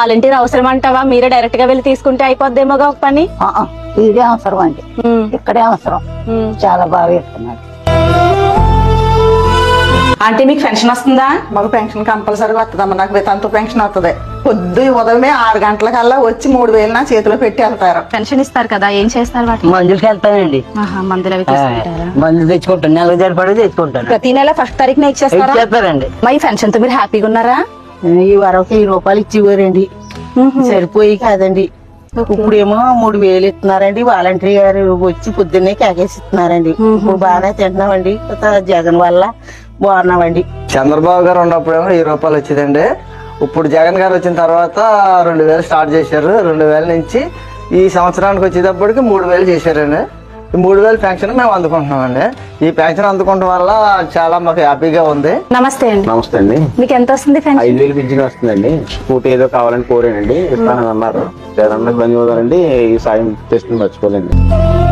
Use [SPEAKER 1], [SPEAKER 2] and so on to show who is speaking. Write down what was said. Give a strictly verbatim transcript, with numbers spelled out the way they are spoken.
[SPEAKER 1] Volunteer అవసరం అంటావా? మీరే డైరెక్ట్ గా వెళ్ళి తీసుకుంటే అయిపోద్దేమోగా ఒక పని.
[SPEAKER 2] ఆ, ఆ, ఇదే అవసరం అండి,
[SPEAKER 1] ఉమ్,
[SPEAKER 2] ఇక్కడే అవసరం.
[SPEAKER 1] ఉమ్.
[SPEAKER 2] చాలా బాగా చెప్తున్నారు.
[SPEAKER 1] ఆంటీ మీకు పెన్షన్ వస్తుందా?
[SPEAKER 3] మాకు పెన్షన్ కంపల్సరీ వస్తుందమ్మా. నాకు వితంతు పెన్షన్ వస్తుంది. పొద్దు ఉదయమే ఆరు గంటలకల్లా వచ్చి మూడు వేలు నా చేతిలో పెట్టి వెళ్తారు.
[SPEAKER 1] పెన్షన్ ఇస్తారు కదా, ఏం చేస్తారు వాటి?
[SPEAKER 4] మందులకి వెళ్తానండి,
[SPEAKER 1] ఆహా, మందులు అవి తీసుకుంటారా?
[SPEAKER 4] మందులు తెచ్చుకుంటాను, నెలకు సరిపడి తెచ్చుకుంటాను.
[SPEAKER 1] ప్రతి నెల ఫస్ట్ తారీఖున ఇచ్చేస్తారా?
[SPEAKER 4] చెప్పారండి.
[SPEAKER 1] మా ఈ పెన్షన్ తో మీరు హ్యాపీగా ఉన్నారా?
[SPEAKER 2] ఈ వరకు వెయ్యి రూపాయలు ఇచ్చివ్వరండి, సరిపోయి కాదండి. ఇప్పుడేమో మూడు వేలు ఇస్తున్నారండి. వాలంటీర్ గారు వచ్చి పొద్దున్నే కేకేసి ఇస్తున్నారండి. ఇప్పుడు బాగానే తింటున్నామండి. జగన్ వల్ల బాగున్నామండి.
[SPEAKER 5] చంద్రబాబు గారు ఉన్నప్పుడేమో వెయ్యి రూపాయలు వచ్చేదండి. ఇప్పుడు జగన్ గారు వచ్చిన తర్వాత రెండు వేలు స్టార్ట్ చేశారు. రెండు వేల నుంచి ఈ సంవత్సరానికి వచ్చేటప్పటికి మూడు వేలు చేశారండి. ఈ మూడు వేలు పెన్షన్ మేము అందుకుంటున్నామండి. ఈ పెన్షన్ అందుకోవడం వల్ల చాలా మాకు హ్యాపీగా ఉంది.
[SPEAKER 1] నమస్తే అండి.
[SPEAKER 6] నమస్తే అండి.
[SPEAKER 1] మీకు ఎంత వస్తుంది పెన్షన్?
[SPEAKER 6] ఐదు వేలు పింఛన్ వస్తుందండి. స్కూటీ ఏదో కావాలని కోరానండి, ఇస్తానని అన్నారు. జగన్ ధన్యవాదాలండి. ఈ సాయం చేస్తుంది మర్చిపోలేండి.